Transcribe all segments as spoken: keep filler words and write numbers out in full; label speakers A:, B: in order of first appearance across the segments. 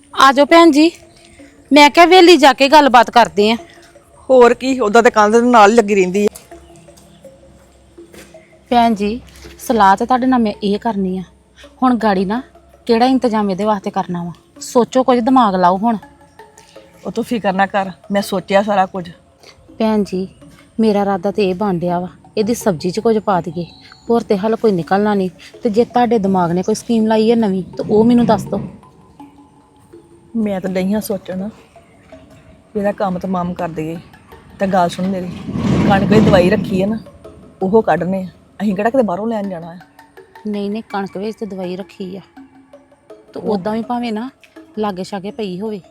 A: ਆ ਜਾਓ ਭੈਣ ਜੀ। ਮੈਂ ਕਿਹਾ ਵੇਲੀ ਜਾ ਕੇ ਗੱਲਬਾਤ ਕਰਦੇ ਆ।
B: ਹੋਰ ਕੀ ਉਦਾਂ ਤੇ ਕੰਧ ਦੇ ਨਾਲ ਹੀ ਲੱਗੀ ਰਹਿੰਦੀ ਹੈ।
A: ਭੈਣ ਜੀ ਸਲਾਹ ਤੇ ਤੁਹਾਡੇ ਨਾਲ ਮੈਂ ਇਹ ਕਰਨੀ ਆ। ਹੁਣ ਗਾੜੀ ਨਾ ਕਿਹੜਾ ਇੰਤਜ਼ਾਮ ਇਹਦੇ ਵਾਸਤੇ ਕਰਨਾ ਵਾ, ਸੋਚੋ ਕੁਝ, ਦਿਮਾਗ ਲਾਓ ਹੁਣ।
B: ਉਹ ਤੂੰ ਫਿਕਰ ਨਾ ਕਰ, ਮੈਂ ਸੋਚਿਆ ਸਾਰਾ ਕੁਝ।
A: ਭੈਣ ਜੀ ਮੇਰਾ ਇਰਾਦਾ ਤੇ ਇਹ ਬਣ ਡਿਆ ਵਾ, ਇਹਦੀ ਸਬਜ਼ੀ 'ਚ ਕੁਝ ਪਾ ਦਈਏ, ਹੋਰ ਤੇ ਹੱਲ ਕੋਈ ਨਿਕਲਣਾ ਨਹੀਂ। ਤੇ ਜੇ ਤੁਹਾਡੇ ਦਿਮਾਗ ਨੇ ਕੋਈ ਸਕੀਮ ਲਾਈ ਹੈ ਨਵੀਂ ਤਾਂ ਉਹ ਮੈਨੂੰ ਦੱਸ ਦਿਓ।
B: ਮੈਂ ਤਾਂ ਡਈਆਂ ਸੋਚਣ ਇਹਦਾ ਕੰਮ ਤਮਾਮ ਕਰ ਦਈਏ। ਤਾਂ ਗੱਲ ਸੁਣ ਮੇਰੀ, ਕਣਕ ਦੀ ਦਵਾਈ ਰੱਖੀ ਹੈ ਨਾ, ਉਹ ਕੱਢਨੇ ਆ। ਅਸੀਂ ਕਿਹੜਾ ਕਿਤੇ ਬਾਹਰੋਂ ਲੈਣ ਜਾਣਾ ਹੈ।
A: ਨਹੀਂ ਨਹੀਂ, ਕਣਕ ਵਿੱਚ ਤੇ ਦਵਾਈ ਰੱਖੀ ਆ, ਤੇ ਉਦਾਂ ਵੀ ਭਾਵੇਂ ਨਾ ਲਾਗੇ ਛਾਗੇ ਪਈ ਹੋਵੇ।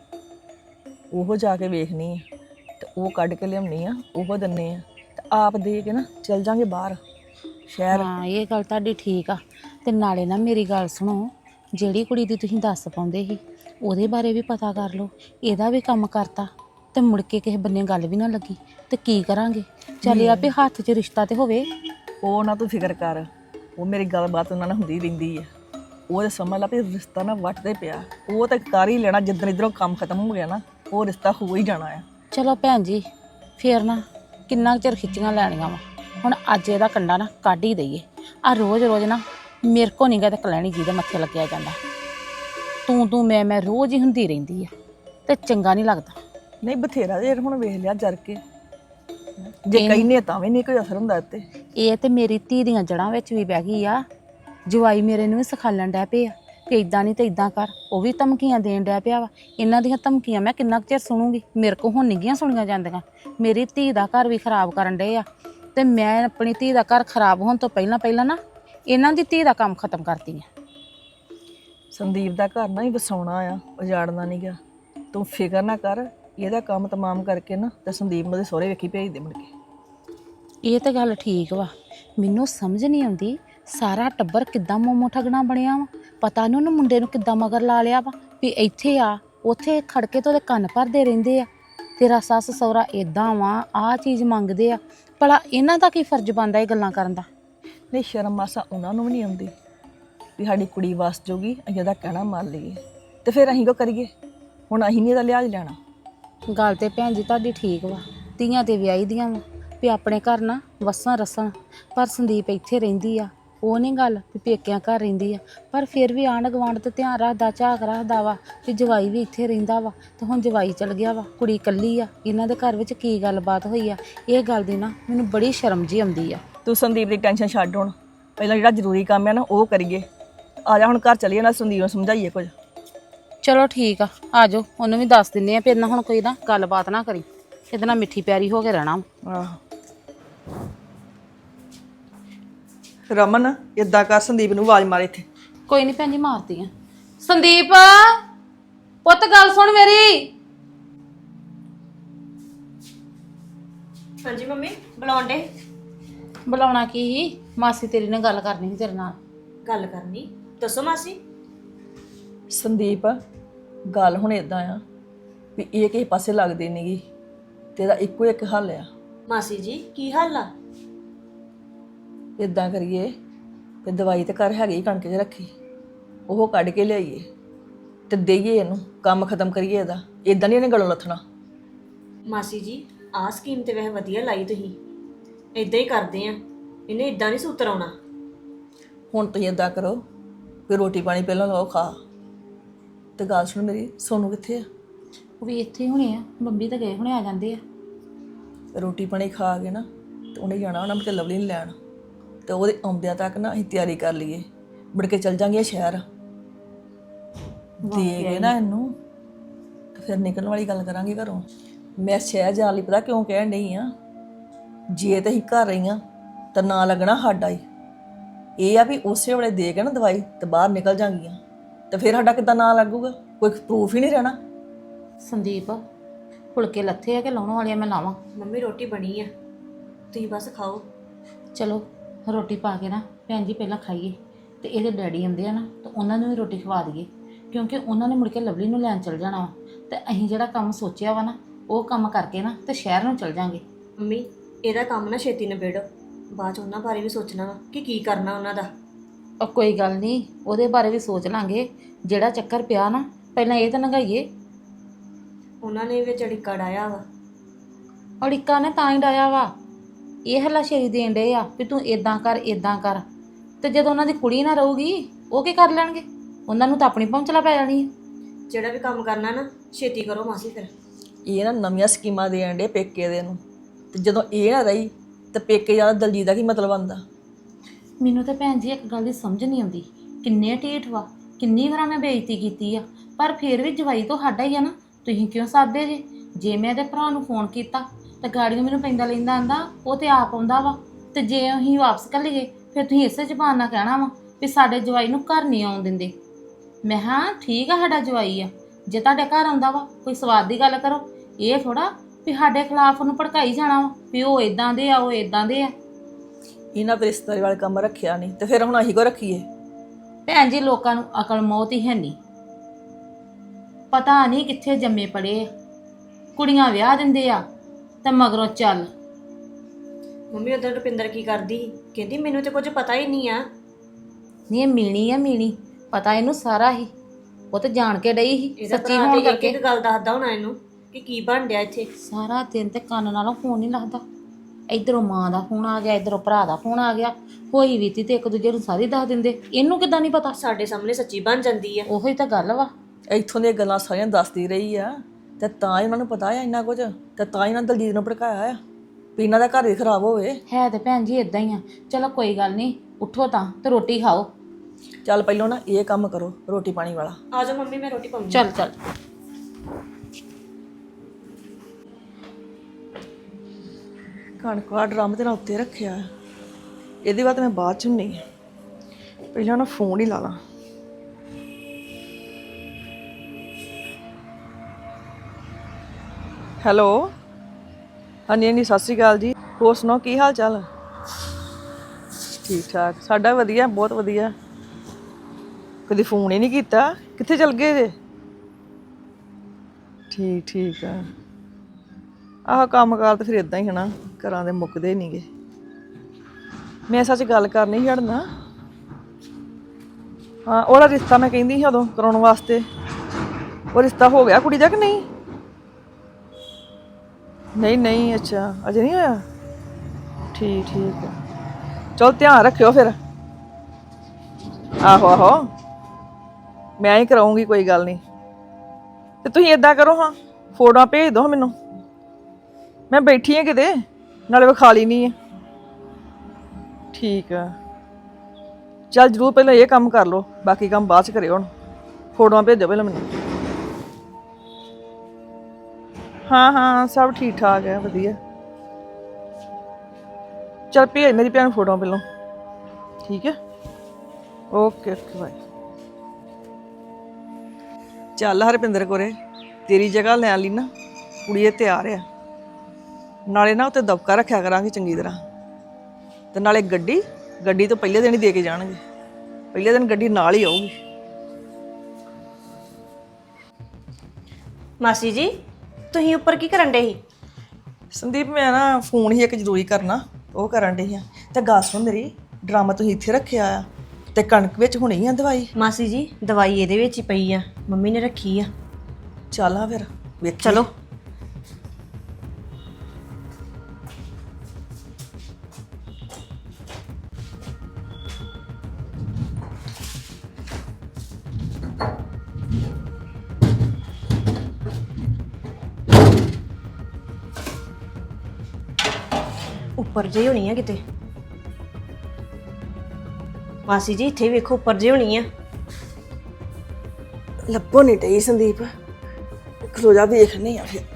B: ਉਹ ਜਾ ਕੇ ਵੇਖਣੀ ਆ ਤੇ ਉਹ ਕੱਢ ਕੇ ਲਿਆਉਣੀ ਆ, ਉਹ ਦਿੰਨੇ ਆ ਤੇ ਆਪ ਦੇ ਕੇ ਨਾ ਚੱਲ ਜਾਂਗੇ ਬਾਹਰ ਸ਼ਹਿਰ।
A: ਹਾਂ ਇਹ ਗੱਲ ਤੁਹਾਡੀ ਠੀਕ ਆ। ਤੇ ਨਾਲੇ ਨਾ ਮੇਰੀ ਗੱਲ ਸੁਣੋ, ਜਿਹੜੀ ਕੁੜੀ ਦੀ ਤੁਸੀਂ ਦੱਸ ਪਾਉਂਦੇ ਸੀ ਉਹਦੇ ਬਾਰੇ ਵੀ ਪਤਾ ਕਰ ਲਓ। ਇਹਦਾ ਵੀ ਕੰਮ ਕਰਤਾ ਤੇ ਮੁੜ ਕੇ ਕਿਸੇ ਬੰਨੇ ਗੱਲ ਵੀ ਨਾ ਲੱਗੀ ਤੇ ਕੀ ਕਰਾਂਗੇ। ਚੱਲ ਆ ਵੀ ਹੱਥ 'ਚ ਰਿਸ਼ਤਾ ਤੇ ਹੋਵੇ।
B: ਉਹ ਨਾ ਤੂੰ ਫਿਕਰ ਕਰ, ਉਹ ਮੇਰੀ ਗੱਲਬਾਤ ਉਹਨਾਂ ਨਾਲ ਹੁੰਦੀ ਰਹਿੰਦੀ ਹੈ। ਉਹ ਤਾਂ ਸਮਝ ਲਾ ਵੀ ਰਿਸ਼ਤਾ ਨਾ ਵੱਟਦੇ ਪਿਆ। ਉਹ ਤਾਂ ਕਰ ਹੀ ਲੈਣਾ, ਜਿੱਦਣ ਇੱਧਰੋਂ ਕੰਮ ਖਤਮ ਹੋ ਗਿਆ ਨਾ ਉਹ ਰਿਸ਼ਤਾ ਹੋ ਹੀ ਜਾਣਾ ਆ।
A: ਚਲੋ ਭੈਣ ਜੀ ਫੇਰ ਨਾ ਕਿੰਨਾ ਕੁ ਚਿਰ ਖਿੱਚੀਆਂ ਲੈਣੀਆਂ ਵਾ। ਹੁਣ ਅੱਜ ਇਹਦਾ ਕੰਡਾ ਨਾ ਕੱਢ ਹੀ ਦਈਏ। ਆ ਰੋਜ਼ ਰੋਜ਼ ਨਾ ਮੇਰੇ ਕੋ ਨਹੀਂ ਗਾ ਤੇ ਕਲੈਣੀ ਜੀ ਦੇ ਮੱਥੇ ਲੱਗਿਆ ਜਾਂਦਾ। ਤੂੰ ਤੂੰ ਮੈਂ ਮੈਂ ਰੋਜ਼ ਹੀ ਹੁੰਦੀ ਰਹਿੰਦੀ ਆ ਤੇ ਚੰਗਾ ਨਹੀਂ ਲੱਗਦਾ।
B: ਨਹੀਂ ਬਥੇਰਾ ਜੇ ਹੁਣ ਵੇਖ ਲਿਆ ਜਰ ਕੇ, ਜੇ ਕਹਿੰਨੇ ਤਾਂ ਵੀ ਨਹੀਂ ਕੋਈ ਅਸਰ ਹੁੰਦਾ ਇੱਥੇ।
A: ਇਹ ਤੇ ਮੇਰੀ ਧੀ ਦੀਆਂ ਜੜ੍ਹਾਂ ਵਿੱਚ ਵੀ ਬਹਿ ਗਈ ਆ। ਜਵਾਈ ਮੇਰੇ ਨੂੰ ਵੀ ਸਿਖਾਲਣ ਡੈ ਪਏ ਆ ਕਿ ਇਦਾਂ ਨਹੀਂ ਤੇ ਇਦਾਂ ਕਰ। ਉਹ ਵੀ ਧਮਕੀਆਂ ਦੇਣ ਡੈ ਪਿਆ ਵਾ। ਇਹਨਾਂ ਦੀਆਂ ਧਮਕੀਆਂ ਮੈਂ ਕਿੰਨਾ ਕੁ ਚਿਰ ਸੁਣੂਗੀ, ਮੇਰੇ ਕੋਲ ਹੁਣ ਨਹੀਂ ਗੀਆਂ ਸੁਣੀਆਂ ਜਾਂਦੀਆਂ। ਮੇਰੀ ਧੀ ਦਾ ਘਰ ਵੀ ਖਰਾਬ ਕਰਨ ਡਏ ਆ ਤੇ ਮੈਂ ਆਪਣੀ ਧੀ ਦਾ ਘਰ ਖਰਾਬ ਹੋਣ ਤੋਂ ਪਹਿਲਾਂ ਪਹਿਲਾਂ ਨਾ ਇਹਨਾਂ ਦੀ ਧੀ ਦਾ ਕੰਮ ਖਤਮ ਕਰਦੀ ਆ।
B: ਸੰਦੀਪ ਦਾ ਘਰ ਨਾ ਹੀ ਵਸਾਉਣਾ ਆ, ਉਜਾੜਨਾ ਨਹੀਂ ਗਾ। ਤੂੰ ਫਿਕਰ ਨਾ ਕਰ, ਇਹਦਾ ਕੰਮ ਤਮਾਮ ਕਰਕੇ ਨਾ ਤੇ ਸੰਦੀਪ ਨੂੰ ਉਹਦੇ ਸਹੁਰੇ ਵੇਖੀ ਭੇਜ ਦੇ ਮੁੜ ਕੇ।
A: ਇਹ ਤਾਂ ਗੱਲ ਠੀਕ ਵਾ। ਮੈਨੂੰ ਸਮਝ ਨਹੀਂ ਆਉਂਦੀ ਸਾਰਾ ਟੱਬਰ ਕਿੱਦਾਂ ਮੋਮੋ ਠਗਣਾ ਬਣਿਆ ਵਾ। ਪਤਾ ਨਹੀਂ ਉਹਨੂੰ ਮੁੰਡੇ ਨੂੰ ਕਿੱਦਾਂ ਮਗਰ ਲਾ ਲਿਆ ਵਾ ਵੀ ਇੱਥੇ ਆ ਉੱਥੇ ਖੜਕੇ ਤੋਂ ਉਹਦੇ ਕੰਨ ਭਰਦੇ ਰਹਿੰਦੇ ਆ। ਤੇਰਾ ਸੱਸ ਸਹੁਰਾ ਇਦਾਂ ਵਾ, ਆਹ ਚੀਜ਼ ਮੰਗਦੇ ਆ। ਭਲਾ ਇਹਨਾਂ ਦਾ ਕੀ ਫਰਜ਼ ਬਣਦਾ ਇਹ ਗੱਲਾਂ ਕਰਨ ਦਾ?
B: ਨਹੀਂ ਸ਼ਰਮ ਮਾਸਾ ਉਹਨਾਂ ਨੂੰ ਵੀ ਨਹੀਂ ਆਉਂਦੀ ਵੀ ਸਾਡੀ ਕੁੜੀ ਵਸ ਜਾਊਗੀ, ਅਸੀਂ ਉਹਦਾ ਕਹਿਣਾ ਮੰਨ ਲਈਏ ਤੇ ਫਿਰ ਅਸੀਂ ਕੋ ਕਰੀਏ। ਹੁਣ ਅਸੀਂ ਨਹੀਂ ਇਹਦਾ ਲਿਹਾਜ਼ ਲੈਣਾ।
A: ਗੱਲ ਤੇ ਭੈਣ ਜੀ ਤੁਹਾਡੀ ਠੀਕ ਵਾ, ਧੀਆਂ ਤੇ ਵਿਆਹੀ ਦੀਆਂ ਵਾ ਵੀ ਆਪਣੇ ਘਰ ਨਾ ਵਸਾਂ ਰਸਣ। ਪਰ ਸੰਦੀਪ ਇੱਥੇ ਰਹਿੰਦੀ ਆ, ਉਹ ਨਹੀਂ ਗੱਲ ਵੀ ਪੇਕਿਆਂ ਘਰ ਰਹਿੰਦੀ ਆ। ਪਰ ਫਿਰ ਵੀ ਆਂਢ ਗੁਆਂਢ ਤੇ ਧਿਆਨ ਰੱਖਦਾ, ਝਾਕ ਰੱਖਦਾ ਵਾ ਵੀ ਜਵਾਈ ਵੀ ਇੱਥੇ ਰਹਿੰਦਾ ਵਾ। ਤੇ ਹੁਣ ਜਵਾਈ ਚਲ ਗਿਆ ਵਾ, ਕੁੜੀ ਇਕੱਲੀ ਆ। ਇਹਨਾਂ ਦੇ ਘਰ ਵਿੱਚ ਕੀ ਗੱਲਬਾਤ ਹੋਈ ਆ, ਇਹ ਗੱਲ ਦੀ ਨਾ ਮੈਨੂੰ ਬੜੀ ਸ਼ਰਮ ਜੀ ਆਉਂਦੀ ਆ।
B: ਤੂੰ ਸੰਦੀਪ ਦੀ ਟੈਨਸ਼ਨ ਛੱਡ, ਹੁਣ ਪਹਿਲਾਂ ਜਿਹੜਾ ਜ਼ਰੂਰੀ ਕੰਮ ਹੈ ਨਾ ਉਹ ਕਰੀਏ। ਆ ਜਾ ਹੁਣ ਘਰ ਚੱਲੀਏ, ਨਾਲ ਸੰਦੀਪ ਨੂੰ ਸਮਝਾਈਏ ਕੁਝ।
A: ਚਲੋ ਠੀਕ ਆ, ਆ ਜਾਓ। ਉਹਨੂੰ ਵੀ ਦੱਸ ਦਿੰਦੇ ਆ ਫਿਰ ਨਾ ਹੁਣ ਕੋਈ ਨਾ ਗੱਲਬਾਤ ਨਾ ਕਰੀ, ਇਹਦੇ ਨਾਲ ਮਿੱਠੀ ਪਿਆਰੀ ਹੋ ਕੇ ਰਹਿਣਾ।
B: ਆਹੋ ਰਮਨ, ਇਦਾਂ ਕਰ ਸੰਦੀਪ ਨੂੰ ਆਵਾਜ਼ ਮਾਰ ਇੱਥੇ।
A: ਕੋਈ ਨਹੀਂ ਭੈਣ ਜੀ ਮਾਰਦੀ ਆ। ਸੰਦੀਪ ਪੁੱਤ ਗੱਲ ਸੁਣ ਮੇਰੀ।
C: ਹਾਂਜੀ ਮੰਮੀ, ਬੁਲਾਉਂਦੇ।
A: ਬੁਲਾਉਣਾ ਕੀ ਸੀ, ਮਾਸੀ ਤੇਰੀ ਨੇ ਗੱਲ ਕਰਨੀ ਸੀ ਤੇਰੇ ਨਾਲ।
C: ਗੱਲ ਕਰਨੀ, ਦੱਸੋ ਮਾਸੀ।
B: ਸੰਦੀਪ ਗੱਲ ਹੁਣ ਇਦਾਂ ਆ ਵੀ ਇਹ ਕਿਸੇ ਪਾਸੇ ਲੱਗਦੀ ਨਹੀਂਗੀ ਤੇ ਇਹਦਾ ਇੱਕੋ ਇੱਕ ਹੱਲ ਆ।
C: ਮਾਸੀ ਜੀ ਕੀ ਹਾਲ ਆ?
B: ਇਦਾਂ ਕਰੀਏ ਤੇ ਦਵਾਈ ਤੇ ਘਰ ਹੈਗੀ ਕਣਕ 'ਚ ਰੱਖੀ, ਉਹ ਕੱਢ ਕੇ ਲਿਆਈਏ ਤੇ ਦੇਈਏ ਇਹਨੂੰ, ਕੰਮ ਖਤਮ ਕਰੀਏ ਇਹਦਾ। ਇਦਾਂ ਨਹੀਂ ਇਹਨੇ ਗਲੋਂ ਲੱਥਣਾ।
C: ਮਾਸੀ ਜੀ ਆਹ ਸਕੀਮ ਤੇ ਵੈਸੇ ਵਧੀਆ ਲਾਈ ਤੁਸੀਂ। ਇਦਾਂ ਹੀ ਕਰਦੇ ਆ, ਇਹਨੇ ਇਦਾਂ ਨਹੀਂ ਸੂਤਰ ਆਉਣਾ।
B: ਹੁਣ ਤੁਸੀਂ ਇਦਾਂ ਕਰੋ ਵੀ ਰੋਟੀ ਪਾਣੀ ਪਹਿਲਾਂ ਲਓ ਖਾ। ਤੇ ਗੱਲ ਸੁਣ ਮੇਰੀ, ਸੋਨੂੰ ਕਿੱਥੇ ਆ?
A: ਉਹ ਵੀ ਇੱਥੇ ਹੁਣੇ ਆ, ਬੰਬੀ ਤਾਂ ਗਏ ਹੁਣੇ, ਆ ਜਾਂਦੇ ਆ।
B: ਰੋਟੀ ਪਾਣੀ ਖਾ ਕੇ ਨਾ ਤੇ ਉਹਨੇ ਜਾਣਾ ਉਹਨਾਂ ਮੁੜ ਲਵਲੀ ਨੂੰ ਲੈਣ, ਤੇ ਉਹਦੇ ਆਉਂਦਿਆਂ ਤੱਕ ਨਾ ਅਸੀਂ ਤਿਆਰੀ ਕਰ ਲਈਏ। ਮੁੜ ਕੇ ਚੱਲ ਜਾਂਗੇ ਸ਼ਹਿਰ, ਦੇ ਗਏ ਨਾ ਇਹਨੂੰ ਤੇ ਫਿਰ ਨਿਕਲਣ ਵਾਲੀ ਗੱਲ ਕਰਾਂਗੇ ਘਰੋਂ। ਮੈਂ ਸ਼ਹਿਰ ਜਾਣ ਲਈ ਪਤਾ ਕਿਉਂ ਕਹਿਣ ਡਈ ਆ, ਜੇ ਤੇ ਅਸੀਂ ਘਰ ਰਹੀਆਂ ਤਾਂ ਨਾ ਲੱਗਣਾ ਸਾਡਾ ਹੀ। ਇਹ ਆ ਵੀ ਉਸੇ ਵੇਲੇ ਦੇ ਕੇ ਨਾ ਦਵਾਈ ਤੇ ਬਾਹਰ ਨਿਕਲ ਜਾਂਗੀਆਂ ਤੇ ਫਿਰ ਸਾਡਾ ਕਿੱਦਾਂ ਨਾਂ ਲੱਗੂਗਾ? ਕੋਈ ਪ੍ਰੂਫ ਹੀ ਨਹੀਂ ਰਹਿਣਾ।
A: ਸੰਦੀਪ ਫੁਲਕੇ ਲੱਥੇ ਆ ਕਿ ਲਾਉਣ ਵਾਲੀਆਂ ਮੈਂ ਲਾਵਾਂ?
C: ਮੰਮੀ ਰੋਟੀ ਬਣੀ ਆ, ਤੁਸੀਂ ਬਸ ਖਾਓ।
A: ਚਲੋ ਰੋਟੀ ਪਾ ਕੇ ਨਾ ਭੈਣ ਜੀ ਪਹਿਲਾਂ ਖਾਈਏ, ਤੇ ਇਹਦੇ ਡੈਡੀ ਆਉਂਦੇ ਆ ਨਾ ਤਾਂ ਉਹਨਾਂ ਨੂੰ ਵੀ ਰੋਟੀ ਖਵਾ ਦਈਏ, ਕਿਉਂਕਿ ਉਹਨਾਂ ਨੇ ਮੁੜ ਕੇ ਲਵਲੀ ਨੂੰ ਲੈਣ ਚਲ ਜਾਣਾ ਵਾ। ਤੇ ਅਸੀਂ ਜਿਹੜਾ ਕੰਮ ਸੋਚਿਆ ਵਾ ਨਾ ਉਹ ਕੰਮ ਕਰਕੇ ਨਾ ਤੇ ਸ਼ਹਿਰ ਨੂੰ ਚਲ ਜਾਾਂਗੇ।
C: ਮੰਮੀ ਇਹਦਾ ਕੰਮ ਨਾ ਛੇਤੀ ਨਿਬੇੜੋ, ਬਾਅਦ ਚ ਉਹਨਾਂ ਬਾਰੇ ਵੀ ਸੋਚਣਾ ਵਾ ਕਿ ਕੀ ਕਰਨਾ ਉਹਨਾਂ ਦਾ।
A: ਉਹ ਕੋਈ ਗੱਲ ਨਹੀਂ, ਉਹਦੇ ਬਾਰੇ ਵੀ ਸੋਚ ਲਾਂਗੇ। ਜਿਹੜਾ ਚੱਕਰ ਪਿਆ ਨਾ ਪਹਿਲਾਂ ਇਹ ਤਾਂ ਨੰਗਾਈਏ।
C: ਉਹਨਾਂ ਨੇ ਵਿੱਚ ਅੜਿੱਕਾ ਡਾਇਆ ਵਾ।
A: ਅੜਿੱਕਾ ਨੇ ਤਾਂ ਹੀ ਡਾਇਆ ਵਾ, ਇਹ ਹੱਲਾਸ਼ੇਰੀ ਦੇਣ ਡਏ ਆ ਵੀ ਤੂੰ ਇਦਾਂ ਕਰ ਇਦਾਂ ਕਰ। ਤੇ ਜਦੋਂ ਉਹਨਾਂ ਦੀ ਕੁੜੀ ਨਾ ਰਹੂਗੀ ਉਹ ਕੀ ਕਰ ਲੈਣਗੇ? ਉਹਨਾਂ ਨੂੰ ਤਾਂ ਆਪਣੀ ਪਹੁੰਚਲਾ ਪੈ ਜਾਣੀ ਹੈ।
C: ਜਿਹੜਾ ਵੀ ਕੰਮ ਕਰਨਾ ਨਾ ਛੇਤੀ ਕਰੋ ਮਾਸੀ ਫਿਰ।
B: ਇਹ ਨਾ ਨਵੀਆਂ ਸਕੀਮਾਂ ਦੇਣ ਡੇ ਪੇਕੇ ਦੇ ਨੂੰ, ਤੇ ਜਦੋਂ ਇਹ ਨਾ ਰਹੀ ਤੇ ਪੇਕੇ ਜ਼ਿਆਦਾ ਦਲਜੀਤ ਦਾ ਕੀ ਮਤਲਬ ਆਉਂਦਾ?
A: ਮੈਨੂੰ ਤਾਂ ਭੈਣ ਜੀ ਇੱਕ ਗੱਲ ਦੀ ਸਮਝ ਨਹੀਂ ਆਉਂਦੀ, ਕਿੰਨੇ ਢੀਠ ਵਾ, ਕਿੰਨੀ ਵਾਰ ਮੈਂ ਬੇਇੱਜ਼ਤੀ ਕੀਤੀ ਆ, ਪਰ ਫਿਰ ਵੀ ਜਵਾਈ ਤੋਂ ਸਾਡਾ ਹੀ ਆ ਨਾ, ਤੁਸੀਂ ਕਿਉਂ ਸਾਦੇ ਜੇ? ਜੇ ਮੈਂ ਇਹਦੇ ਭਰਾ ਨੂੰ ਫੋਨ ਕੀਤਾ ਤਾਂ ਗਾੜੀਆਂ ਮੈਨੂੰ ਪੈਂਦਾ ਲੈਂਦਾ ਆਂਦਾ ਉਹ ਤੇ ਆਪ ਆਉਂਦਾ ਵਾ, ਤੇ ਜੇ ਅਸੀਂ ਵਾਪਸ ਘੱਲੀਏ ਫਿਰ ਤੁਸੀਂ ਇਸੇ ਜ਼ਬਾਨ ਨਾਲ ਕਹਿਣਾ ਵਾ ਵੀ ਸਾਡੇ ਜਵਾਈ ਨੂੰ ਘਰ ਨਹੀਂ ਆਉਣ ਦਿੰਦੇ। ਮੈਂ ਹਾਂ ਠੀਕ ਆ, ਸਾਡਾ ਜਵਾਈ ਆ, ਜੇ ਤੁਹਾਡੇ ਘਰ ਆਉਂਦਾ ਵਾ ਕੋਈ ਸਵਾਦ ਦੀ ਗੱਲ ਕਰੋ, ਇਹ ਥੋੜਾ ਵੀ ਸਾਡੇ ਖਿਲਾਫ ਉਹਨੂੰ ਭੜਕਾਈ ਜਾਣਾ ਵਾ ਵੀ ਉਹ ਇਦਾਂ ਦੇ ਆ ਉਹ ਇਦਾਂ ਦੇ ਆ।
B: ਇਹਨਾਂ ਤੇ ਰਿਸ਼ਤੇਦਾਰੀ ਵਾਲੇ ਕੰਮ ਰੱਖਿਆ ਨਹੀਂ ਤੇ ਫਿਰ ਹੁਣ ਅਸੀਂ ਕੋ ਰੱਖੀਏ?
A: ਭੈਣ ਜੀ ਲੋਕਾਂ ਨੂੰ ਅਕਲ ਮੌਤ ਹੀ ਹੈ ਨਹੀਂ, ਪਤਾ ਨਹੀਂ ਕਿੱਥੇ ਜੰਮੇ ਪੜੇ ਆ। ਕੁੜੀਆਂ ਵਿਆਹ ਦਿੰਦੇ ਆ ਤੇ ਮਗਰੋਂ ਚੱਲ।
C: ਮੰਮੀ ਉਧਰ ਰੁਪਿੰਦਰ ਕੀ ਕਰਦੀ ਸੀ? ਕਹਿੰਦੀ ਮੈਨੂੰ ਤੇ ਕੁਝ ਪਤਾ ਹੀ ਨਹੀਂ ਆ।
A: ਨਹੀਂ ਇਹ ਮੀਣੀ ਆ ਮੀਣੀ, ਪਤਾ ਇਹਨੂੰ ਸਾਰਾ ਹੀ, ਉਹ ਤੇ ਜਾਣ ਕੇ ਡਈ ਸੀ
C: ਇਹਦਾ
A: ਸੱਚੀ
C: ਭਰਾ
A: ਹੋਣ
C: ਤੇ ਇੱਕ
A: ਕਰਕੇ।
C: ਇੱਕ ਗੱਲ ਦੱਸਦਾ ਹੋਣਾ ਇਹਨੂੰ ਕਿ ਕੀ ਬਣ ਡਿਆ ਇੱਥੇ।
A: ਸਾਰਾ ਦਿਨ ਤੇ ਕੰਨ ਨਾਲੋਂ ਫੋਨ ਨਹੀਂ ਲੱਗਦਾ, ਇਧਰੋਂ ਮਾਂ ਦਾ ਫੋਨ ਆ ਗਿਆ, ਇਧਰੋਂ ਭਰਾ ਦਾ ਫੋਨ ਆ ਗਿਆ, ਹੋਈ ਵੀ ਤੀ ਤੇ ਇੱਕ ਦੂਜੇ ਨੂੰ ਸਾਰੀ ਦੱਸ ਦਿੰਦੇ, ਇਹਨੂੰ ਕਿੱਦਾਂ ਨਹੀਂ ਪਤਾ?
C: ਸਾਡੇ ਸਾਹਮਣੇ ਸੱਚੀ ਬਣ ਜਾਂਦੀ ਆ।
A: ਉਹੋ ਹੀ ਤਾਂ ਗੱਲ ਵਾ।
B: ਇੱਥੋਂ ਦੀਆਂ ਗੱਲਾਂ ਸਾਰੀਆਂ ਦੱਸਦੀ ਰਹੀ ਆ ਤੇ ਤਾਂ ਹੀ ਉਹਨਾਂ ਨੂੰ ਪਤਾ ਆ ਇੰਨਾ ਕੁਝ, ਤੇ ਤਾਂ ਹੀ ਉਹਨਾਂ ਦਲਜੀਤ ਨੂੰ ਭੜਕਾਇਆ ਆ ਵੀ ਇਹਨਾਂ ਦਾ ਘਰ ਹੀ ਖਰਾਬ ਹੋਵੇ।
A: ਹੈ ਤੇ ਭੈਣ ਜੀ ਇਦਾਂ ਹੀ ਆ। ਚਲੋ ਕੋਈ ਗੱਲ ਨਹੀਂ, ਉੱਠੋ ਤਾਂ ਤੇ ਰੋਟੀ ਖਾਓ।
B: ਚੱਲ ਪਹਿਲਾਂ ਨਾ ਇਹ ਕੰਮ ਕਰੋ ਰੋਟੀ ਪਾਣੀ ਵਾਲਾ।
C: ਆ ਜਾਓ ਮੰਮੀ ਮੈਂ ਰੋਟੀ ਪਾਉਂਦੀ।
A: ਚੱਲ ਚੱਲ।
B: ਕਣਕ ਦਾ ਡਰਮ ਤੇ ਨਾ ਉੱਤੇ ਰੱਖਿਆ, ਇਹਦੇ ਬਾਅਦ ਮੈਂ ਬਾਅਦ ਚ ਹੁੰਨੀ ਆ, ਪਹਿਲਾਂ ਨਾ ਫੋਨ ਹੀ ਲਾ ਲਾਂ। ਹੈਲੋ, ਹਾਂਜੀ ਹਾਂਜੀ ਸਤਿ ਸ਼੍ਰੀ ਅਕਾਲ ਜੀ, ਹੋਰ ਸੁਣਾਓ ਕੀ ਹਾਲ ਚਾਲ? ਠੀਕ ਠਾਕ, ਸਾਡਾ ਵਧੀਆ, ਬਹੁਤ ਵਧੀਆ। ਕਦੀ ਫੋਨ ਹੀ ਨਹੀਂ ਕੀਤਾ, ਕਿੱਥੇ ਚਲ ਗਏ ਜੇ? ਠੀਕ ਠੀਕ ਆ। ਆਹ ਕੰਮ ਕਾਰ ਤਾਂ ਫਿਰ ਇਦਾਂ ਹੀ ਹੈ ਨਾ, ਘਰਾਂ ਦੇ ਮੁੱਕਦੇ ਨਹੀਂ ਗੇ। ਮੈਂ ਸੱਚ ਗੱਲ ਕਰਨੀ ਸੀ ਤੁਹਾਡੇ ਨਾਲ। ਹਾਂ ਉਹਦਾ ਰਿਸ਼ਤਾ ਮੈਂ ਕਹਿੰਦੀ ਸੀ ਉਦੋਂ ਕਰਾਉਣ ਵਾਸਤੇ, ਉਹ ਰਿਸ਼ਤਾ ਹੋ ਗਿਆ ਕੁੜੀ ਦਾ ਕਿ ਨਹੀਂ? ਨਹੀਂ ਨਹੀਂ ਅੱਛਾ ਅਜੇ ਨਹੀਂ ਹੋਇਆ। ਠੀਕ ਠੀਕ ਆ, ਚਲ ਧਿਆਨ ਰੱਖਿਓ ਫਿਰ। ਆਹੋ ਆਹੋ ਮੈਂ ਹੀ ਕਰਾਉਂਗੀ, ਕੋਈ ਗੱਲ ਨਹੀਂ। ਤੇ ਤੁਸੀਂ ਏਦਾਂ ਕਰੋ ਹਾਂ, ਫੋਟੋਆਂ ਭੇਜ ਦਿਓ ਮੈਨੂੰ, ਮੈਂ ਬੈਠੀ ਹਾਂ ਕਿਤੇ, ਨਾਲੇ ਵਿਖਾ ਲਈ ਨਹੀਂ ਆ। ਠੀਕ ਆ ਚੱਲ ਜ਼ਰੂਰ, ਪਹਿਲਾਂ ਇਹ ਕੰਮ ਕਰ ਲਓ, ਬਾਕੀ ਕੰਮ ਬਾਅਦ ਚ ਕਰਿਓ। ਹੁਣ ਫੋਟੋਆਂ ਭੇਜੋ ਪਹਿਲਾਂ ਮੈਨੂੰ। ਹਾਂ ਹਾਂ ਸਭ ਠੀਕ ਠਾਕ ਹੈ, ਵਧੀਆ। ਚੱਲ ਭੇਜ ਮੇਰੀ ਭੈਣ ਫੋਟੋਆਂ ਪਹਿਲਾਂ, ਠੀਕ ਹੈ? Okay okay bye. ਚੱਲ ਹਰਪਿੰਦਰ ਕੋਰੇ, ਤੇਰੀ ਜਗ੍ਹਾ ਲੈਣ ਲਈ ਨਾ ਕੁੜੀ ਇਹ ਤਿਆਰ ਆ। ਨਾਲੇ ਨਾ ਉੱਤੇ ਦਬਕਾ ਰੱਖਿਆ ਕਰਾਂਗੇ ਚੰਗੀ ਤਰ੍ਹਾਂ, ਤੇ ਨਾਲੇ ਗੱਡੀ ਗੱਡੀ ਤੋਂ ਪਹਿਲੇ ਦਿਨ ਹੀ ਦੇ ਕੇ ਜਾਣਗੇ, ਪਹਿਲੇ ਦਿਨ ਗੱਡੀ ਨਾਲ ਹੀ ਆਊਗੀ।
C: ਮਾਸੀ ਜੀ ਤੁਸੀਂ ਉੱਪਰ ਕੀ ਕਰਨ ਡੇ ਸੀ?
B: ਸੰਦੀਪ ਮੈਂ ਨਾ ਫੋਨ ਹੀ ਇੱਕ ਜ਼ਰੂਰੀ ਕਰਨਾ, ਉਹ ਕਰਨ ਡਈ ਆ। ਤੇ ਗੱਲ ਸੁਣ ਮੇਰੀ, ਡਰਾਮਾ ਤੁਸੀਂ ਇੱਥੇ ਰੱਖਿਆ ਆ ਤੇ ਕਣਕ ਵਿੱਚ ਹੋਣੀ ਆ ਦਵਾਈ?
C: ਮਾਸੀ ਜੀ ਦਵਾਈ ਇਹਦੇ ਵਿੱਚ ਹੀ ਪਈ ਆ, ਮੰਮੀ ਨੇ ਰੱਖੀ ਆ।
B: ਚੱਲ ਆ ਫਿਰ ਵੇਖ
C: ਚਲੋ। ਉੱਪਰ ਜੇ ਹੋਣੀ ਆ ਕਿਤੇ। ਮਾਸੀ ਜੀ ਇੱਥੇ ਵੇਖੋ, ਉੱਪਰ ਜੇ ਹੋਣੀ ਆ।
B: ਲੱਭੋ ਨਹੀਂ ਡਈ ਸੰਦੀਪ, ਖਲੋ ਜਾ ਵੇਖਨੇ ਆ ਫਿਰ।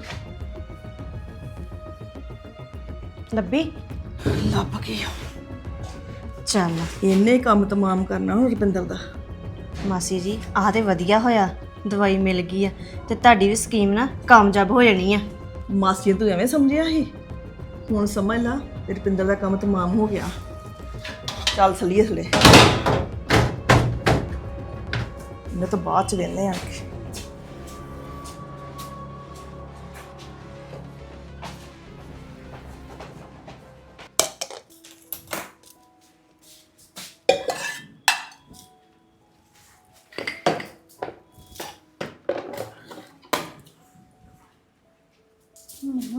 C: ਲੱਭੀ?
B: ਲੱਭ ਗਈ।
C: ਚੱਲ
B: ਇੰਨੇ ਕੰਮ ਤਮਾਮ ਕਰਨਾ ਹੁਣ ਰੁਪਿੰਦਰ ਦਾ।
C: ਮਾਸੀ ਜੀ ਆਹ ਤੇ ਵਧੀਆ ਹੋਇਆ, ਦਵਾਈ ਮਿਲ ਗਈ ਆ ਤੇ ਤੁਹਾਡੀ ਵੀ ਸਕੀਮ ਨਾ ਕਾਮਯਾਬ ਹੋ ਜਾਣੀ ਆ।
B: ਮਾਸੀ ਤੂੰ ਐਵੇਂ ਸਮਝਿਆ ਸੀ, ਹੁਣ ਸਮਝ ਲਾ ਰੁਪਿੰਦਰ ਦਾ ਕੰਮ ਤਮਾਮ ਹੋ ਗਿਆ। ਚੱਲ ਸਲੀਏ ਥਲੇ, ਮੈਂ ਤਾਂ ਬਾਅਦ ਚ ਵੇਖਨੇ ਆ।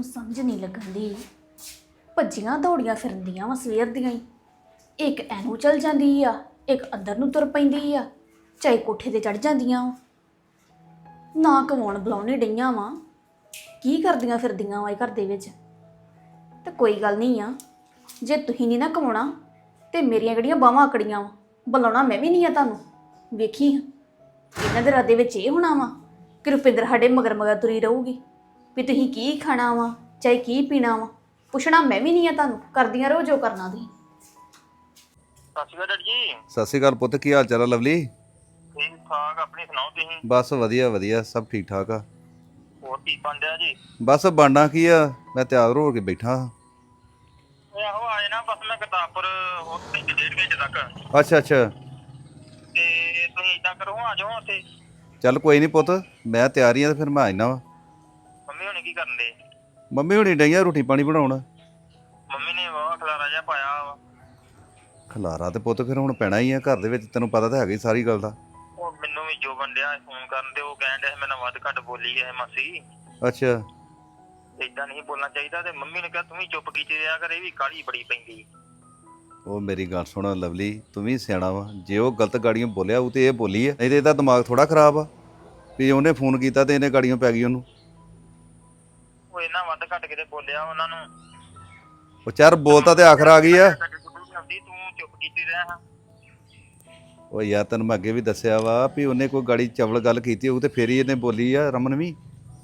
D: ਸਮਝ ਨਹੀਂ ਲੱਗਣ ਦੀ। ਭੱਜੀਆਂ ਦੌੜੀਆਂ ਫਿਰਦੀਆਂ ਵਾ ਸਵੇਰ ਦੀਆਂ ਹੀ। ਇੱਕ ਐਨੂੰ ਚਲ ਜਾਂਦੀ ਆ, ਇੱਕ ਅੰਦਰ ਨੂੰ ਤੁਰ ਪੈਂਦੀ ਆ, ਚਾਹੇ ਕੋਠੇ ਤੇ ਚੜ ਜਾਂਦੀਆਂ ਵਾ। ਨਾ ਕਮਾਉਣ ਬੁਲਾਉਣੇ ਡਈਆਂ ਵਾ, ਕੀ ਕਰਦੀਆਂ ਫਿਰਦੀਆਂ ਵਾ ਇਹ ਘਰ ਦੇ ਵਿੱਚ। ਤੇ ਕੋਈ ਗੱਲ ਨਹੀਂ ਆ, ਜੇ ਤੁਸੀਂ ਨਹੀਂ ਨਾ ਕਮਾਉਣਾ ਤੇ ਮੇਰੀਆਂ ਕਿਹੜੀਆਂ ਬਾਹਾਂ ਆਕੜੀਆਂ ਵਾ, ਬੁਲਾਉਣਾ ਮੈਂ ਵੀ ਨਹੀਂ ਆ ਤੁਹਾਨੂੰ। ਵੇਖੀ ਇਹਨਾਂ ਦੇ ਰਾਦੇ ਵਿੱਚ ਇਹ ਹੋਣਾ ਵਾ ਕਿ ਰੁਪਿੰਦਰ ਸਾਡੇ ਮਗਰ ਮਗਰ ਤੁਰੀ ਰਹੂਗੀ ਵੀ ਤੁਸੀਂ ਕੀ ਖਾਣਾ ਵਾ, ਚਾਹੇ ਕੀ ਪੀਣਾ ਵਾ। ਪੁੱਛਣਾ ਮੈਂ ਵੀ ਨਹੀਂ ਆ ਤੁਹਾਨੂੰ, ਕਰਦੀਆਂ ਰਹੋ ਜੋ ਕਰਨਾ ਤੁਸੀਂ।
E: ਸਤਿ ਸ਼੍ਰੀ ਅਕਾਲ ਡੈਡੀ ਜੀ।
F: ਸਤਿ ਸ਼੍ਰੀ ਅਕਾਲ ਪੁੱਤ, ਕੀ ਹਾਲ ਚਾਲ ਆ ਲਵਲੀ?
E: ਠੀਕ ਠਾਕ, ਆਪਣੀ ਸੁਣਾਓ ਤੁਸੀਂ?
F: ਬਸ ਵਧੀਆ ਵਧੀਆ, ਸਭ ਠੀਕ ਠਾਕ ਆ।
E: ਹੋਰ ਕੀ ਬਣ ਰਿਹਾ ਜੀ?
F: ਬਸ ਬਣਨਾ ਕੀ ਆ, ਮੈਂ ਤਿਆਰ ਹੋ ਕੇ ਬੈਠਾ ਹਾਂ।
E: ਓਏ ਆਹੋ ਆਏ ਨਾ, ਬਸ ਮੈਂ ਗੁਰਦਾਸਪੁਰ ਹੋਰ ਘੰਟੇ ਡੇਢ ਘੰਟੇ ਤੱਕ।
F: ਅੱਛਾ ਅੱਛਾ,
E: ਤੇ ਤੁਸੀਂ ਇਦਾਂ ਕਰੋ, ਆ ਜਾਓ ਉੱਥੇ।
F: ਚੱਲ ਕੋਈ ਨਹੀਂ ਪੁੱਤ, ਮੈਂ ਤਿਆਰ ਹੀ ਆ ਤੇ ਫਿਰ ਮੈਂ ਆ ਜਾਣਾ ਵਾ।
E: ਮੰਮੀ ਹੁਣੀ ਕੀ ਕਰਨ ਦੇ?
F: ਮੰਮੀ ਹੁਣੀ ਡਈਆਂ ਰੋਟੀ ਪਾਣੀ ਬਣਾਉਣ।
E: ਮੰਮੀ ਨੇ ਵਾਹ ਖਲਾਰਾ ਜਿਹਾ ਪਾਇਆ ਵਾ।
F: ਖਲਾਰਾ ਤੇ ਪੁੱਤ ਫਿਰ ਹੁਣ ਪੈਣਾ ਹੀ ਆ ਘਰ ਦੇ ਵਿੱਚ, ਤੈਨੂੰ ਪਤਾ ਤਾਂ ਹੈਗਾ ਹੀ ਸਾਰੀ ਗੱਲ ਦਾ।
E: ਉਹ ਮੈਨੂੰ ਵੀ ਜੋ ਬੰਦਿਆ ਫੋਨ ਕਰਨ ਦੇ, ਉਹ ਕਹਿਣ ਡਿਆ ਸੀ ਮੈਨੂੰ ਵੱਧ ਘੱਟ ਬੋਲੀ ਹੈ ਮਾਸੀ,
F: ਅੱਛਾ
E: ਏਦਾਂ ਨਹੀਂ ਬੋਲਣਾ ਚਾਹੀਦਾ। ਤੇ ਮੰਮੀ ਨੇ ਕਿਹਾ ਤੂੰ ਵੀ ਚੁੱਪ ਕੀਤੀ ਰਿਹਾ ਕਰ, ਇਹ ਵੀ ਕਾਹਲੀ ਬੜੀ ਪੈਂਦੀ।
F: ਉਹ ਮੇਰੀ ਗੱਲ ਸੁਣ ਲਵਲੀ, ਤੂੰ ਵੀ ਸਿਆਣਾ ਵਾ। ਜੇ ਉਹ ਗਲਤ ਗਾੜੀਆਂ ਬੋਲਿਆ ਉਹ ਤੇ ਇਹ ਬੋਲੀ ਆ, ਨਹੀਂ ਤੇ ਇਹਦਾ ਦਿਮਾਗ ਥੋੜਾ ਖਰਾਬ ਆ ਵੀ ਉਹਨੇ ਫੋਨ ਕੀਤਾ ਤੇ ਇਹਨੇ ਗਾੜੀਆਂ ਪੈ ਗਈ ਉਹਨੂੰ।
E: ਉਹ ਇਹਨਾਂ ਵੱਧ ਘੱਟ ਕਿਤੇ ਬੋਲਿਆ ਉਹਨਾਂ ਨੂੰ।
F: ਉਹ ਚਾਰ ਬੋਲਤਾ ਤੇ ਆਖਰ ਆ ਗਈ ਆ।
E: ਤੂੰ ਚੁੱਪ ਕੀਤੀ ਰਿਹਾ।
F: ਉਹ ਯਾਰ ਤੈਨੂੰ ਮੈਂ ਅੱਗੇ ਵੀ ਦੱਸਿਆ ਵਾ ਵੀ ਉਹਨੇ ਕੋਈ ਗਾੜੀ ਚਵਲ ਗੱਲ ਕੀਤੀ ਹੋਊ ਤੇ ਫੇਰ ਹੀ ਇਹਨੇ ਬੋਲੀ ਆ, ਰਮਨ ਵੀ।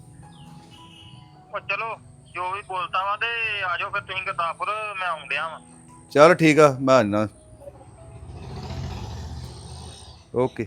E: ਉਹ ਚਲੋ ਜੋ ਵੀ ਬੋਲਤਾ ਵਾ, ਤੇ ਆ ਜਾਓ ਫਿਰ ਤੁਸੀਂ ਗੁਰਦਾਸਪੁਰ, ਮੈਂ ਆਉਣ ਡਿਆ ਵਾ।
F: ਚੱਲ ਠੀਕ ਆ, ਮੈਂ ਆ ਜਾਣਾ। ਓਕੇ।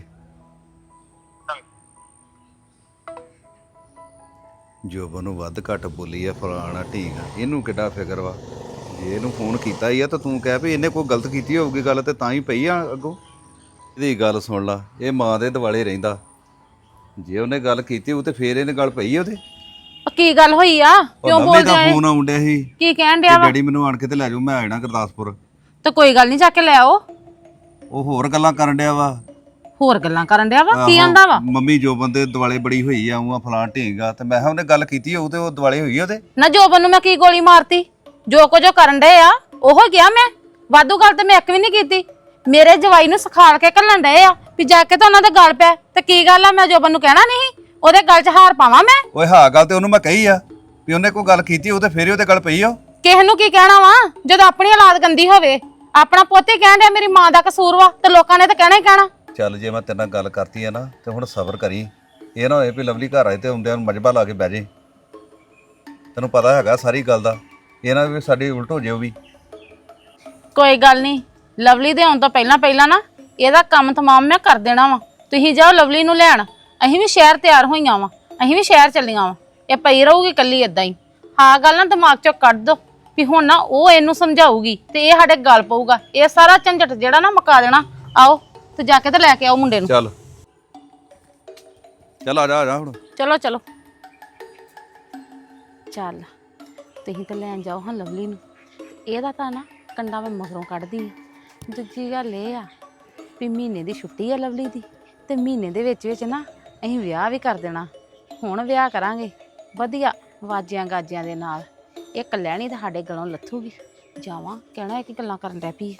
F: ਜੋਬਨ ਨੂੰ ਵੱਧ ਘੱਟ ਬੋਲੀ ਆ, ਫਲਾਣਾ ਠੀਕ ਆ, ਇਹਨੂੰ ਕਿੱਡਾ ਫਿਕਰ ਵਾ। ਜੇ ਇਹਨੂੰ ਫੋਨ ਕੀਤਾ ਹੀ ਆ ਤਾਂ ਤੂੰ ਕਹਿ ਵੀ ਇਹਨੇ ਕੋਈ ਗਲਤ ਕੀਤੀ ਹੋਊਗੀ ਗੱਲ, ਤੇ ਤਾਂ ਹੀ ਪਈ ਆ ਅੱਗੋਂ। ਇਹਦੀ ਗੱਲ ਸੁਣ ਲਾ, ਇਹ ਮਾਂ ਦੇ ਦਿਵਾਲੇ ਰਹਿੰਦਾ। ਜੇ ਉਹਨੇ ਗੱਲ ਕੀਤੀ ਹੋਊ ਤੇ ਫੇਰ ਇਹਨੇ ਗੱਲ ਪਈ ਉਹਦੇ।
A: ਕੀ ਗੱਲ ਹੋਈ ਆ, ਕਿਉਂ ਬੋਲਦੇ ਆ?
F: ਫੋਨ ਆਉਣ ਡਿਆ ਸੀ
A: ਕੀ ਕਹਿਣ ਡਿਆ ਵਾ?
F: ਡੈਡੀ ਮੈਨੂੰ ਆਣ ਕੇ ਤੇ ਲੈ ਜਾਓ, ਮੈਂ ਆ ਜਾਣਾ ਗੁਰਦਾਸਪੁਰ।
A: ਤੇ ਕੋਈ ਗੱਲ ਨਹੀਂ, ਜਾ ਕੇ ਲੈ ਆਓ।
F: ਉਹ ਹੋਰ ਗੱਲਾਂ ਕਰਨ ਡਿਆ ਵਾ।
A: ਹੋਰ ਗੱਲਾਂ ਕਰਨ ਡਿਆ ਵਾ? ਕੀ ਆਂਦਾ ਵਾ?
F: ਮੰਮੀ ਜੋਬਨ ਦੇ ਦਿਵਾਲੇ ਬੜੀ ਹੋਈ ਆ, ਉਹ ਫਲਾਂ ਢੀਂਗਾ। ਤੇ ਮੈਂ ਕਿਹਾ ਉਹਨੇ ਗੱਲ ਕੀਤੀ ਹੋਊ ਤੇ ਉਹ ਦਿਵਾਲੇ ਹੋਈ ਉਹਦੇ।
A: ਨਾ ਜੋਬਨ ਨੂੰ ਮੈਂ ਕੀ ਗੋਲੀ ਮਾਰਤੀ? ਜੋ ਕੁਝ ਉਹ ਕਰਨ ਡਏ ਆ ਉਹ ਗਿਆ ਮੈਂ। ਵਾਧੂ ਗੱਲ ਤੇ ਮੈਂ ਇੱਕ ਵੀ ਨਹੀਂ ਕੀਤੀ। ਮੇਰੇ ਜਵਾਈ ਨੂੰ ਸਿਖਾਲ ਕੇ ਘੱਲਣ ਡਏ ਆ ਵੀ ਜਾ ਕੇ ਤਾਂ ਉਹਨਾਂ ਦੇ ਗਲ ਪੈ। ਤੇ ਕੀ ਗੱਲ ਆ, ਮੈਂ ਜੋਬਨ ਨੂੰ ਕਹਿਣਾ ਨਹੀਂ? ਉਹਦੇ ਗਲ 'ਚ ਹਾਰ ਪਾਵਾਂ ਮੈਂ?
F: ਓਏ ਹਾਂ ਗੱਲ ਤੇ ਉਹਨੂੰ ਮੈਂ ਕਹੀ ਆ ਵੀ ਉਹਨੇ ਕੋਈ ਗੱਲ ਕੀਤੀ ਹੋਊ ਤੇ ਫੇਰ ਹੀ ਉਹਦੇ ਗੱਲ ਪਈ ਆ।
A: ਕਿਸੇ ਨੂੰ ਕੀ ਕਹਿਣਾ ਵਾ ਜਦੋਂ ਆਪਣੀ ਔਲਾਦ ਗੰਦੀ ਹੋਵੇ? ਆਪਣਾ ਪੋਤੇ ਕਹਿਣ ਡਿਆ ਮੇਰੀ ਮਾਂ ਦਾ ਕਸੂਰ ਵਾ, ਤੇ ਲੋਕਾਂ ਨੇ ਤਾਂ ਕਹਿਣਾ ਹੀ ਕਹਿਣਾ।
F: ਚੱਲ ਜੇ ਮੈਂ ਤੇਰੇ ਨਾਲ ਗੱਲ ਕਰਤੀ ਆ ਨਾ ਤੇ ਹੁਣ ਸਬਰ ਕਰੀ। ਇਹ ਨਾ ਹੋਏ ਵੀ ਲਵਲੀ ਘਰ ਆਏ ਤੇ ਆਉਂਦਿਆਂ ਨੂੰ ਮਜਬਾ ਲਾ ਕੇ ਬਹਿ ਜੇ। ਤੈਨੂੰ ਪਤਾ ਹੈਗਾ ਸਾਰੀ ਗੱਲ ਦਾ, ਇਹ ਨਾ ਵੀ ਸਾਡੀ ਉਲਟ ਹੋ ਜੇ ਉਹ ਵੀ।
A: ਕੋਈ ਗੱਲ ਨਹੀਂ, ਲਵਲੀ ਦੇ ਆਉਣ ਤੋਂ ਪਹਿਲਾਂ ਪਹਿਲਾਂ ਨਾ ਇਹਦਾ ਕੰਮ ਤਮਾਮ ਮੈਂ ਕਰ ਦੇਣਾ ਵਾ। ਤੁਸੀਂ ਜਾਓ ਲਵਲੀ ਨੂੰ ਲੈਣ, ਅਸੀਂ ਵੀ ਸ਼ਹਿਰ ਤਿਆਰ ਹੋਈਆਂ ਵਾ, ਅਸੀਂ ਵੀ ਸ਼ਹਿਰ ਚੱਲੀਆਂ ਵਾ। ਇਹ ਪਈ ਰਹੂਗੀ ਇਕੱਲੀ ਏਦਾਂ ਹੀ। ਹਾਂ ਗੱਲ ਨਾ ਦਿਮਾਗ ਚੋਂ ਕੱਢ ਦੋ ਵੀ ਹੁਣ ਨਾ ਉਹ ਇਹਨੂੰ ਸਮਝਾਊਗੀ ਤੇ ਇਹ ਸਾਡੇ ਗੱਲ ਪਊਗਾ। ਇਹ ਸਾਰਾ ਝੰਜਟ ਜਿਹੜਾ ਨਾ ਮੁਕਾ ਦੇਣਾ। ਆਓ ਤੇ ਜਾ ਕੇ ਤੇ ਲੈ ਕੇ ਆਓ ਮੁੰਡੇ ਨੂੰ।
F: ਚੱਲ ਚੱਲ ਆ ਜਾ ਆ ਜਾ ਹੁਣ।
A: ਚਲੋ ਚਲੋ ਚੱਲ, ਤੁਸੀਂ ਤਾਂ ਲੈਣ ਜਾਓ ਹਾਂ ਲਵਲੀ ਨੂੰ। ਇਹਦਾ ਤਾਂ ਨਾ ਕੰਡਾ ਮੈਂ ਮਗਰੋਂ ਕੱਢਦੀ ਆ। ਦੂਜੀ ਗੱਲ ਇਹ ਆ ਵੀ ਮਹੀਨੇ ਦੀ ਛੁੱਟੀ ਆ ਲਵਲੀ ਦੀ, ਤੇ ਮਹੀਨੇ ਦੇ ਵਿੱਚ ਵਿੱਚ ਨਾ ਅਸੀਂ ਵਿਆਹ ਵੀ ਕਰ ਦੇਣਾ। ਹੁਣ ਵਿਆਹ ਕਰਾਂਗੇ ਵਧੀਆ ਵਾਜਿਆਂ ਗਾਜਿਆਂ ਦੇ ਨਾਲ। ਇਹ ਕਲਿਆਣੀ ਤਾਂ ਸਾਡੇ ਗਲੋਂ ਲੱਥੂਗੀ। ਜਾਵਾਂ ਕਹਿਣਾ ਇਹ ਕੀ ਗੱਲਾਂ ਕਰਨ ਡੈ ਪਈ।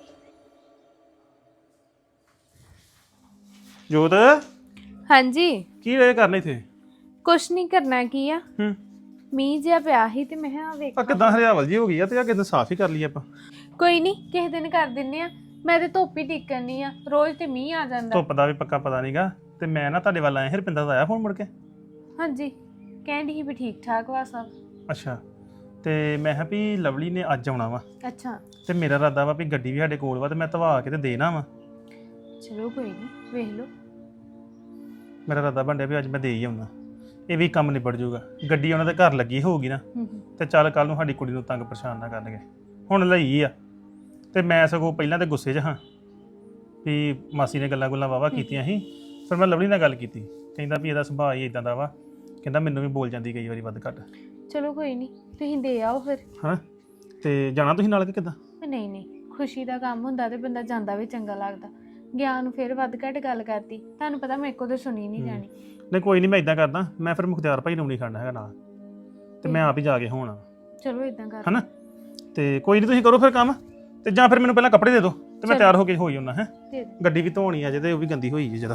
G: ਜੋਤ,
H: ਹਾਂਜੀ
G: ਕੀ ਵੇ ਕਰਨੇ ਇਥੇ?
H: ਕੁਛ ਨਹੀਂ ਕਰਨਾ ਕੀ ਆ।
G: ਹੂੰ,
H: ਮੀਂਹ ਜਿਹਾ ਪਿਆ ਸੀ ਤੇ ਮੈਂ ਕਿਹਾ ਵੇਖ
G: ਆ ਕਿਦਾਂ ਹਰਿਆਵਲ ਜੀ ਹੋ ਗਈ ਆ ਤੇ ਆ ਕਿਦਾਂ ਸਾਫ਼ ਹੀ ਕਰ ਲਈ ਆਪਾਂ।
H: ਕੋਈ ਨਹੀਂ ਕਿਸੇ ਦਿਨ ਕਰ ਦਿੰਨੇ ਆ। ਮੈਂ ਤੇ ਧੁੱਪ ਹੀ ਟਿਕਣੀ ਆ, ਰੋਜ਼ ਤੇ ਮੀਂਹ ਆ ਜਾਂਦਾ।
G: ਧੁੱਪ ਦਾ ਵੀ ਪੱਕਾ ਪਤਾ ਨਹੀਂਗਾ। ਤੇ ਮੈਂ ਨਾ ਤੁਹਾਡੇ ਵੱਲ ਆਇਆ, ਹਰਪਿੰਦਰ ਦਾ ਆਇਆ ਫੋਨ ਮੁੜ ਕੇ?
H: ਹਾਂਜੀ ਕਹਿੰਦੀ ਸੀ ਵੀ ਠੀਕ ਠਾਕ ਵਾ ਸਭ।
G: ਅੱਛਾ, ਤੇ ਮੈਂ ਕਿਹਾ ਵੀ ਲਵਲੀ ਨੇ ਅੱਜ ਆਉਣਾ ਵਾ,
H: ਅੱਛਾ
G: ਤੇ ਮੇਰਾ ਇਰਾਦਾ ਵਾ ਵੀ ਗੱਡੀ ਵੀ ਸਾਡੇ ਕੋਲ ਵਾ ਤੇ ਮੈਂ ਧਵਾ ਕੇ ਤੇ ਦੇਣਾ ਵਾ।
H: ਚਲੋ ਕੋਈ ਨਹੀਂ ਵੇਖ ਲਓ।
G: ਮੇਰਾ ਇਰਾਦਾ ਬਣਿਆ ਵੀ ਅੱਜ ਮੈਂ ਦੇ ਹੀ ਆਉਣਾ, ਇਹ ਵੀ ਕੰਮ ਨਿਬੜ ਜਾਊਗਾ। ਗੱਡੀ ਉਹਨਾਂ ਦੇ ਘਰ ਲੱਗੀ ਹੋਊਗੀ ਨਾ,
H: ਹੂੰ ਹੂੰ
G: ਤੇ ਚੱਲ ਕੱਲ ਨੂੰ ਸਾਡੀ ਕੁੜੀ ਨੂੰ ਤੰਗ ਪਰੇਸ਼ਾਨ ਨਾ ਕਰਨਗੇ। ਹੁਣ ਲਈ ਆ ਤੇ ਮੈਂ ਸਗੋਂ ਪਹਿਲਾਂ ਤੇ ਗੁੱਸੇ 'ਚ ਹਾਂ ਵੀ ਮਾਸੀ ਨੇ ਗੱਲਾਂ ਗੁੱਲਾਂ ਵਾਵਾ ਕੀਤੀਆਂ ਸੀ। ਫਿਰ ਮੈਂ ਲਵਲੀ ਨਾਲ ਗੱਲ ਕੀਤੀ, ਕਹਿੰਦਾ ਵੀ ਇਹਦਾ ਸੁਭਾਅ ਹੀ ਇਦਾਂ ਦਾ ਵਾ, ਕਹਿੰਦਾ ਮੈਨੂੰ ਵੀ ਬੋਲ ਜਾਂਦੀ ਕਈ ਵਾਰੀ ਵੱਧ ਘੱਟ।
H: ਚਲੋ ਕੋਈ ਨਹੀਂ ਤੁਸੀਂ ਦੇ ਆਓ ਫਿਰ।
G: ਹਾਂ, ਤੇ ਜਾਣਾ ਤੁਸੀਂ ਨਾਲ ਕਿ ਕਿੱਦਾਂ?
H: ਨਹੀਂ ਨਹੀਂ, ਖੁਸ਼ੀ ਦਾ ਕੰਮ ਹੁੰਦਾ ਤੇ ਬੰਦਾ ਜਾਂਦਾ ਵੀ ਚੰਗਾ ਲੱਗਦਾ। ਗਿਆਨ ਨੂੰ ਫਿਰ ਵੱਧ ਘੱਟ ਗੱਲ ਕਰਤੀ, ਤੁਹਾਨੂੰ ਪਤਾ ਮੇਰੇ ਕੋਲ ਤਾਂ ਸੁਣੀ ਨਹੀਂ ਜਾਣੀ।
G: ਨਹੀਂ ਕੋਈ ਨਹੀਂ, ਮੈਂ ਇਦਾਂ ਕਰਦਾ, ਮੈਂ ਫਿਰ ਮੁਖਤਿਆਰ ਭਾਈ ਨੂੰ ਨਹੀਂ ਖੜਨਾ ਹੈਗਾ ਨਾਲ। ਤੇ ਮੈਂ ਆਪ ਹੀ ਜਾ ਕੇ ਹੋਣਾ
H: ਚਲੋ ਇਦਾਂ ਕਰ
G: ਹਨਾ। ਤੇ ਕੋਈ ਨਹੀਂ ਤੁਸੀਂ ਕਰੋ ਫਿਰ ਕੰਮ, ਤੇ ਜਾਂ ਫਿਰ ਮੈਨੂੰ ਪਹਿਲਾਂ ਕੱਪੜੇ ਦੇ ਦਿਓ ਤੇ ਮੈਂ ਤਿਆਰ ਹੋ ਕੇ ਹੋਈ ਹੁੰਦਾ ਹੈ।
H: ਦੇ ਦੇ।
G: ਗੱਡੀ ਵੀ ਧੋਣੀ ਆ ਜੇ ਤੇ ਉਹ ਵੀ ਗੰਦੀ ਹੋਈ ਜੀ ਜਰਾ।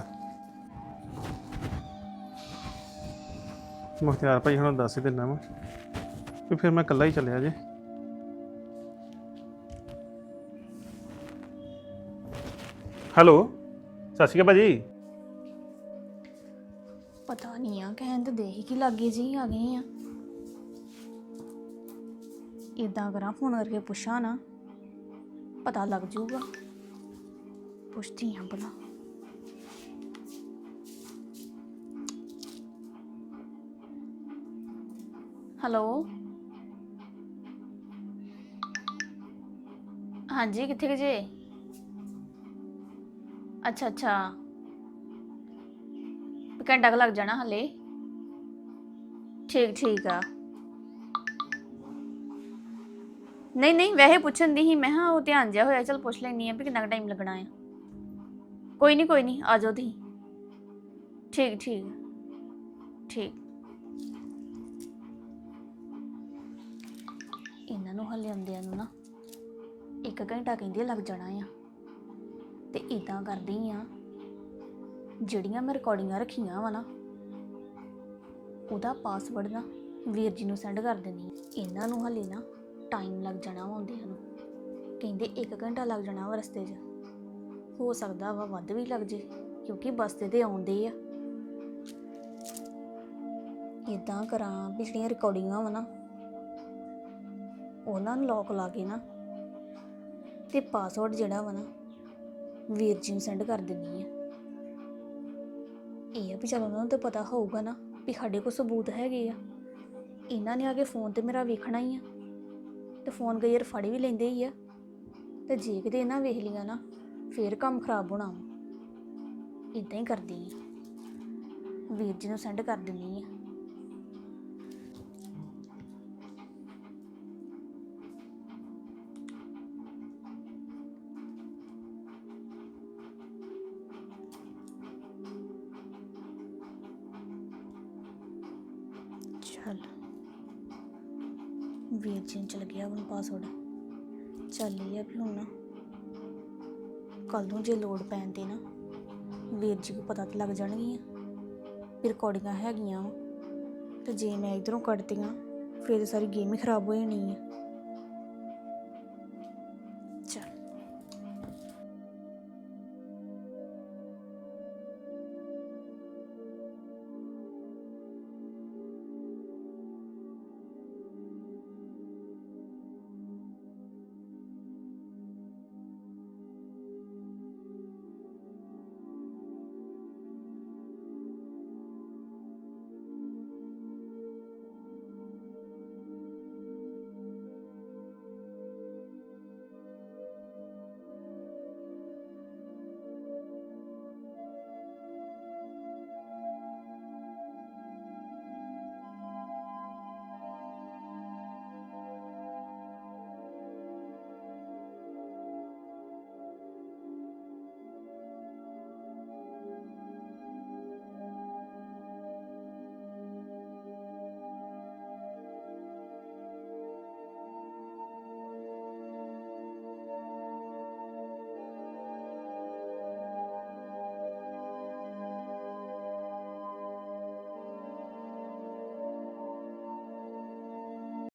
G: ਮੁਖਤਿਆਰ ਭਾਈ ਹੁਣ ਦੱਸ ਹੀ ਦਿੰਦਾ ਵਾ ਵੀ ਫਿਰ ਮੈਂ ਇਕੱਲਾ ਹੀ ਚੱਲਿਆ ਜੇ। ਹੈਲੋ ਸਤਿ ਸ਼੍ਰੀ ਅਕਾਲ ਭਾਜੀ।
D: ਪਤਾ ਨਹੀਂ ਆ ਕਹਿਣ ਤੇ ਦੇ ਹੀ ਕੀ ਲੱਗੇ ਜੀ ਆ ਗਏ ਆ। ਇਦਾਂ ਕਰਾਂ ਫੋਨ ਕਰਕੇ ਪੁੱਛਾਂ ਨਾ, ਪਤਾ ਲੱਗ ਜਾਊਗਾ। ਪੁੱਛਦੀ ਹਾਂ ਭਲਾ। ਹੈਲੋ ਹਾਂਜੀ ਕਿੱਥੇ ਗਏ ਜੇ? ਅੱਛਾ ਅੱਛਾ ਘੰਟਾ ਕੁ ਲੱਗ ਜਾਣਾ ਹਲੇ। ਠੀਕ ਠੀਕ ਆ। ਨਹੀਂ ਨਹੀਂ ਵੈਸੇ ਪੁੱਛਣ ਦੀ ਹੀ ਮੈਂ ਹਾਂ ਉਹ ਧਿਆਨ ਜਿਹਾ ਹੋਇਆ, ਚਲ ਪੁੱਛ ਲੈਣੀ ਆ ਵੀ ਕਿੰਨਾ ਟਾਈਮ ਲੱਗਣਾ ਆ। ਕੋਈ ਨਹੀਂ ਕੋਈ ਨਹੀਂ ਆ ਜਾਓ ਤੁਸੀਂ। ਠੀਕ ਠੀਕ ਠੀਕ। ਇਹਨਾਂ ਨੂੰ ਹਲੇ ਆਉਂਦਿਆਂ ਨੂੰ ਨਾ ਇੱਕ ਘੰਟਾ ਕਹਿੰਦੇ ਲੱਗ ਜਾਣਾ ਆ। ਤੇ ਇਦਾਂ ਕਰਦੀ ਆ, ਜਿਹੜੀਆਂ ਮੈਂ ਰਿਕਾਰਡਿੰਗਾਂ ਰੱਖੀਆਂ ਵਾ ਨਾ ਉਹਦਾ ਪਾਸਵਰਡ ਨਾ ਵੀਰ ਜੀ ਨੂੰ ਸੈਂਡ ਕਰ ਦਿੰਦੀ। ਇਹਨਾਂ ਨੂੰ ਹਲੇ ਨਾ ਟਾਈਮ ਲੱਗ ਜਾਣਾ ਵਾ ਆਉਂਦਿਆਂ ਨੂੰ, ਕਹਿੰਦੇ ਇੱਕ ਘੰਟਾ ਲੱਗ ਜਾਣਾ ਵਾ ਰਸਤੇ 'ਚ। ਹੋ ਸਕਦਾ ਵਾ ਵੱਧ ਵੀ ਲੱਗ ਜੇ ਕਿਉਂਕਿ ਬੱਸ ਤੇ ਤੇ ਆਉਂਦੇ ਆ। ਇਦਾਂ ਕਰਾਂ ਵੀ ਜਿਹੜੀਆਂ ਰਿਕਾਰਡਿੰਗਾਂ ਵਾ ਨਾ ਉਹਨਾਂ ਨੂੰ ਲੋਕ ਲਾ ਕੇ ਨਾ ਤੇ ਪਾਸਵਰਡ ਜਿਹੜਾ ਵਾ ਨਾ ਵੀਰ ਜੀ ਨੂੰ ਸੈਂਡ ਕਰ ਦਿੰਦੀ ਆ। ਇਹ ਆ ਵੀ ਚਲ ਉਹਨਾਂ ਨੂੰ ਤਾਂ ਪਤਾ ਹੋਊਗਾ ਨਾ ਵੀ ਸਾਡੇ ਕੋਲ ਸਬੂਤ ਹੈਗੇ ਆ। ਇਹਨਾਂ ਨੇ ਆ ਕੇ ਫੋਨ ਤੇ ਮੇਰਾ ਵੇਖਣਾ ਹੀ ਆ ਤੇ ਫੋਨ ਕਈ ਵਾਰ ਫੜ ਵੀ ਲੈਂਦੇ ਹੀ ਆ। ਤੇ ਜੇ ਕਿਤੇ ਇਹਨਾਂ ਵੇਖ ਲਿਆ ਨਾ ਫੇਰ ਕੰਮ ਖਰਾਬ ਹੋਣਾ ਵਾ। ਇੱਦਾਂ ਹੀ ਕਰਦੀ ਆ, ਵੀਰ ਜੀ ਨੂੰ ਸੈਂਡ ਕਰ ਦਿੰਦੀ ਆ। ਚੱਲ ਵੀਰ ਜੀ ਨੂੰ ਚਲ ਗਿਆ ਹੁਣ ਪਾਸਵਰਡ। ਚੱਲ ਇਹ ਆ ਵੀ ਹੁਣ ਨਾ ਕੱਲ ਨੂੰ ਜੇ ਲੋੜ ਪੈਣ ਤੇ ਨਾ ਵੀਰ ਜੀ ਨੂੰ ਪਤਾ ਤਾਂ ਲੱਗ ਜਾਣਗੀਆਂ ਵੀ ਰਿਕਾਰਡਿੰਗਾਂ ਹੈਗੀਆਂ ਵਾ। ਤੇ ਜੇ ਮੈਂ ਇੱਧਰੋਂ ਕੱਢਤੀਆਂ ਫਿਰ ਸਾਰੀ ਗੇਮ ਹੀ ਖਰਾਬ ਹੋ ਜਾਣੀ ਆ।